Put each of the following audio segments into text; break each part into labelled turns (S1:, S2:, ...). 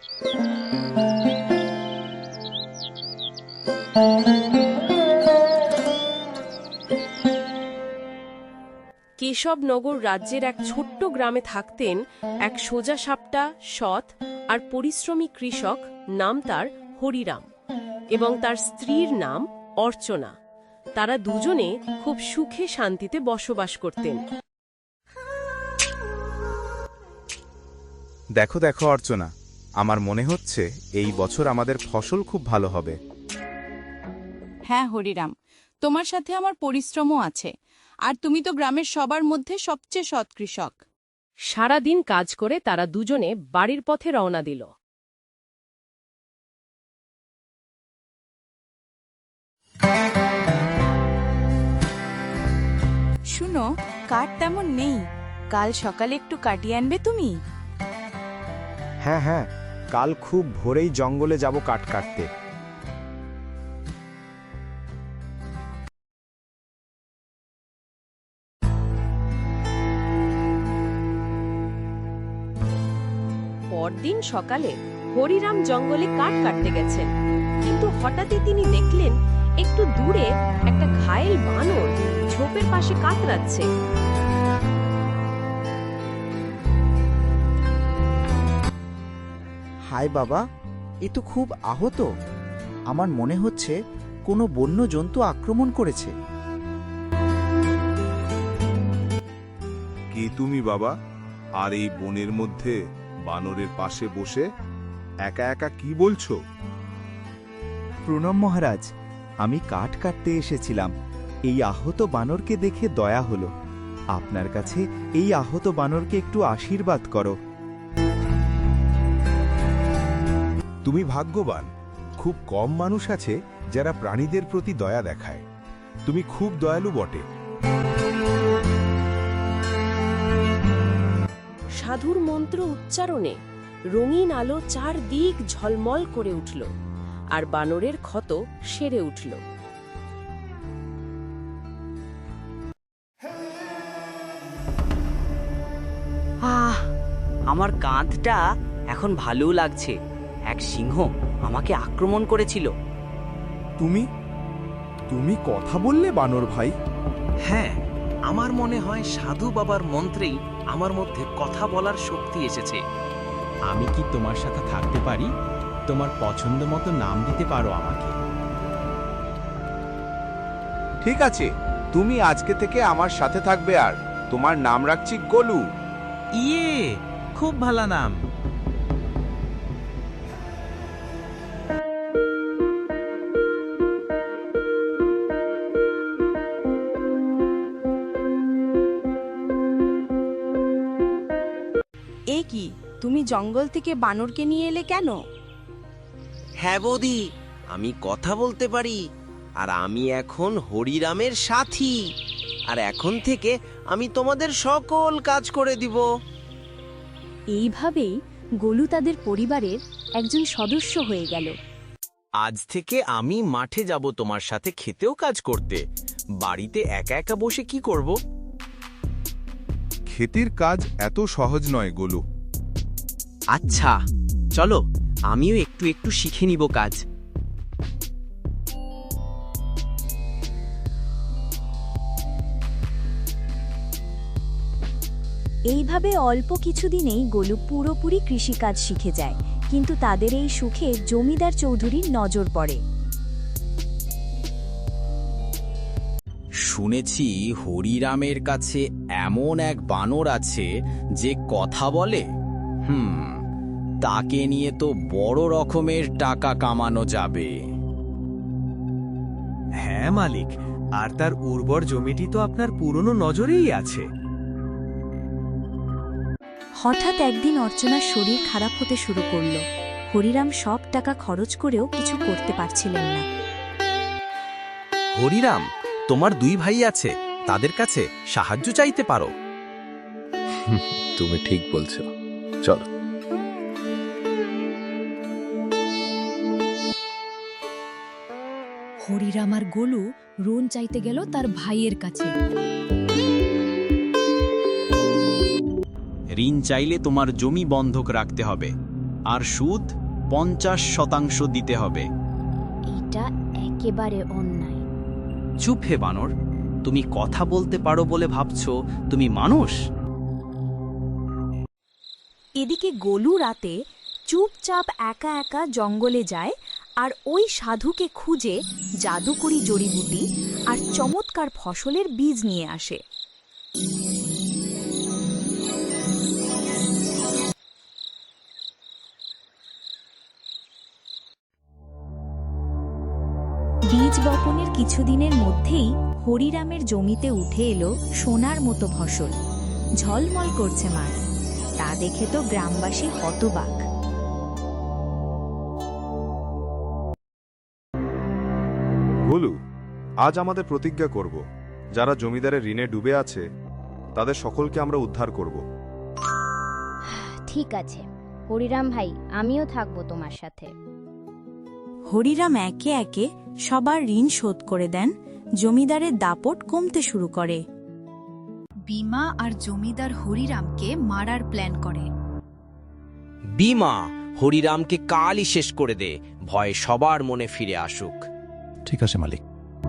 S1: কেশবনগর রাজ্যের এক ছোট্ট গ্রামে থাকতেন এক সোজাসাপটা, সৎ আর পরিশ্রমী কৃষক, নাম তার হরিরাম, এবং তার স্ত্রীর নাম অর্চনা। তারা দুজনে খুব সুখে শান্তিতে বসবাস করতেন।
S2: দেখো দেখো অর্চনা, আমার মনে হচ্ছে এই বছর আমাদের ফসল খুব ভালো হবে।
S3: হ্যাঁ হরিরাম, তোমার সাথে আমার পরিশ্রমও আছে, আর তুমি তো গ্রামের সবার মধ্যে সবচেয়ে সৎ কৃষক।
S1: সারাদিন কাজ করে তারা দুজনে বাড়ির পথে রওনা দিল।
S3: শুনো, কাঠ তেমন নেই, কাল সকালে একটু কাটিয়ে আনবে তুমি?
S4: হ্যাঁ হ্যাঁ, কাল খুব ভোরেই জঙ্গলে যাব কাঠ কাটতে।
S1: পরদিন সকালে হরিরাম জঙ্গলে কাঠ কাটতে গেছেন, কিন্তু হঠাৎই তিনি দেখলেন একটু দূরে একটা ঘায়েল বানর ঝোপের পাশে কাতরাচ্ছে।
S5: হায় বাবা, এ তো খুব আহত। আমার মনে হচ্ছে কোনো বন্য জন্তু আক্রমণ করেছে।
S2: কে তুমি বাবা? আর এই বনের মধ্যে বানরের পাশে বসে একা একা কি বলছো?
S5: প্রণাম মহারাজ, আমি কাঠ কাটতে এসেছিলাম। এই আহত বানরকে দেখে দয়া হলো। আপনার কাছে এই আহত বানরকে একটু আশীর্বাদ করো।
S2: তুমি ভাগ্যবান। খুব কম মানুষ আছে যারা প্রাণীদের প্রতি দয়া দেখায়। তুমি খুব দয়ালু বটে।
S1: সাধুর মন্ত্র উচ্চারণে রঙিন আলো চারদিক ঝলমল করে উঠল, আর বানরের ক্ষত সেরে উঠল।
S6: আমার কাঁধটা এখন ভালো লাগছে। এক সিংহ আমাকে আক্রমণ করেছিল।
S4: তুমি তুমি কথা বললে বানর ভাই?
S7: হ্যাঁ, আমার মনে হয় সাধু বাবার মন্ত্রেই আমার মধ্যে কথা বলার শক্তি এসেছে।
S8: আমি কি তোমার সাথে থাকতে পারি? তোমার পছন্দ মতো নাম দিতে পারো আমাকে।
S2: ঠিক আছে, তুমি আজকে থেকে আমার সাথে থাকবে, আর তোমার নাম রাখছি গোলু।
S7: ইয়ে, খুব ভালো নাম।
S3: এ কি, তুমি জঙ্গল থেকে বানরকে নিয়ে এলে কেন?
S6: হ্যাঁ বৌদি, আমি কথা বলতে পারি, আর আমি এখন হরিরামের সাথী, আর এখন থেকে আমি তোমাদের সকল কাজ করে দিব।
S9: এইভাবেই গোলু তাদের পরিবারের একজন সদস্য হয়ে গেল।
S7: আজ থেকে আমি মাঠে যাব তোমার সাথে খেতেও কাজ করতে। বাড়িতে একা একা বসে কি করব?
S2: ক্ষেতের কাজ এত সহজ নয় গোলু।
S6: আচ্ছা, চলো আমিও একটু একটু শিখে নিব কাজ।
S9: এইভাবে অল্প কিছুদিনেই গোলু পুরোপুরি কৃষিকাজ শিখে যায়, কিন্তু তাদের এই সুখে জমিদার চৌধুরীর নজর পড়ে।
S8: শুনেছি হরিরামের কাছে এমন এক বানর আছে যে কথা বলে। তাকে নিয়ে তো বড় রকমের টাকা কামানো যাবে।
S7: হ্যাঁ মালিক, আর তার উর্বর জমিটি তো আপনার পুরনো নজরেই আছে।
S9: হঠাৎ একদিন অর্চনার শরীর খারাপ হতে শুরু করল। হরিরাম সব টাকা খরচ করেও কিছু করতে পারছিলেন না।
S7: হরিরাম, তোমার দুই ভাই আছে, তাদের কাছে সাহায্য চাইতে পারো।
S2: তুমি ঠিক বলছো, চলো।
S9: হরিরাম আর গোলু ঋণ চাইতে গেল তার ভাইয়ের কাছে।
S8: ঋণ চাইলে তোমার জমি বন্ধক রাখতে হবে, আর সুদ 50% দিতে হবে।
S9: এটা একেবারে অন্যায়।
S8: চুপ হে বানর, তুমি কথা বলতে পারো বলে ভাবছো তুমি মানুষ?
S9: এদিকে গোলু রাতে চুপচাপ একা একা জঙ্গলে যায় আর ওই সাধুকে খুঁজে জাদুকরি জড়িবুটি আর চমৎকার ফসলের বীজ নিয়ে আসে। বীজ বপনের কিছুদিনের মধ্যেই হরিরামের জমিতে উঠে এলো সোনার মতো ফসল। ঝলমল করছে মাঠ, তা দেখে তো গ্রামবাসী হতবাক।
S10: গোলু, আজ আমাদের প্রতিজ্ঞা করব, যারা জমিদারের ঋণে ডুবে আছে তাদের সকলকে আমরা উদ্ধার করব।
S9: ঠিক আছে হরিরাম ভাই, আমিও থাকবো তোমার সাথে।
S3: হরিরাম একে একে সবার ঋণ শোধ করে দেন। জমিদারের দাপট কমতে শুরু করে। বিমা আর জমিদার হরিরামকে মারার প্ল্যান করে।
S6: বিমা, হরিরামকে কালই শেষ করে দে, ভয় সবার মনে ফিরে আসুক।
S2: ঠিক আছে মালিক।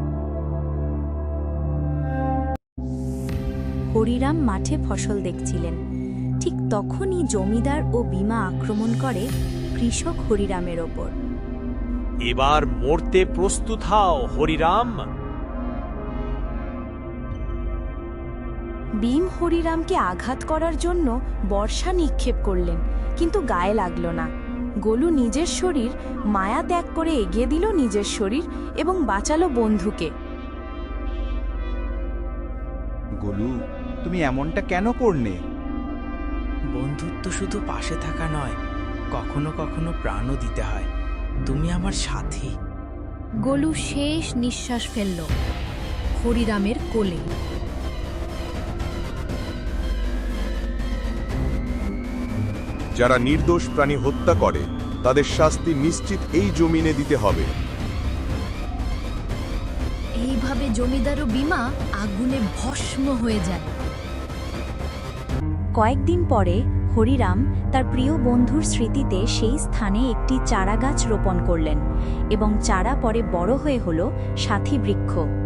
S9: হরিরাম মাঠে ফসল দেখছিলেন। ঠিক তখনই জমিদার ও বিমা আক্রমণ করে কৃষক হরিরামের ওপর।
S7: এবার মরতে প্রস্তুত হও হরিরাম।
S9: ভীম হরিরামকে আঘাত করার জন্য বর্ষা নিক্ষেপ করলেন, কিন্তু গায়ে লাগল না। গোলু নিজের শরীর মায়া ত্যাগ করে এগিয়ে দিল নিজের শরীর এবং বাঁচালো বন্ধুকে।
S5: গোলু, তুমি এমনটা কেন করলে?
S7: বন্ধুত্ব শুধু পাশে থাকা নয়, কখনো কখনো প্রাণও দিতে হয়। তুমি আমার সাথী।
S3: গোলু শেষ নিঃশ্বাস ফেলল হরিরামের কোলে।
S10: যারা নির্দোষ প্রাণী হত্যা করে তাদের শাস্তি নিশ্চিত এই জমিনে দিতে হবে।
S3: এইভাবে জমিদার ও বিমা আগুনে ভস্ম হয়ে যায়।
S9: কয়েকদিন পরে হরিরাম তার প্রিয় বন্ধুর স্মৃতিতে সেই স্থানে একটি চারাগাছ রোপণ করলেন এবং চারা পরে বড় হয়ে হল সাথী বৃক্ষ।